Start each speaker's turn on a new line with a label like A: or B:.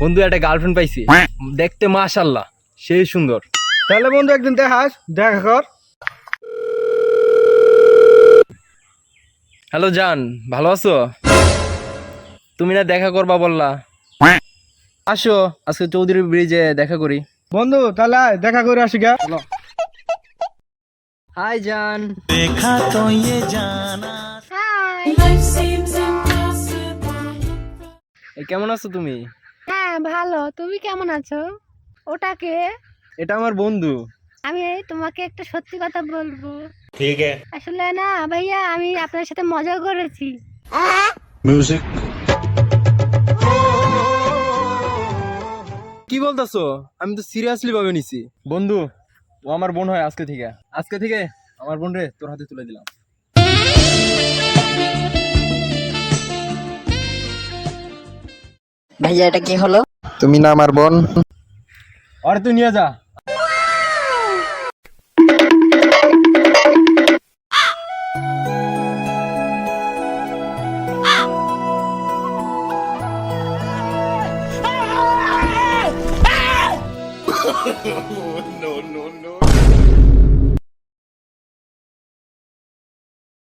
A: বন্ধু একটা গার্লফ্রেন্ড পাইছি, দেখতে মাশাআল্লাহ সেই সুন্দর।
B: তাহলে বন্ধু একদিন দেখাস, দেখা কর।
A: হ্যালো জান, ভালো আছো? তুমি না দেখা করবা বললা, আসো আজকে চৌধুরী ব্রিজে দেখা করি।
B: বন্ধু তাহলে আয়, দেখা করে আসি গা।
A: হাই জান। কেমন আছো তুমি?
C: হ্যাঁ ভালো, তুমি কেমন আছো? ওটাকে
A: এটা আমার বন্ধু।
C: আমি তোমাকে একটা সত্যি কথা বলবো। ঠিক আছে, আসলে না ভাইয়া, আমি আপনার সাথে মজা করেছি।
A: কি বলতেছো? আমি তো সিরিয়াসলি ভাবে নিছি। বন্ধু, ও আমার বোন হয় আজকে থেকে। আজকে থেকে আমার বোন রে তোর হাতে তুলে দিলাম।
D: ভাইয়া এটা কি হলো?
B: তুমি না আমার বোন?
A: আরে তুই নিয়ে যা।
E: no, no, no.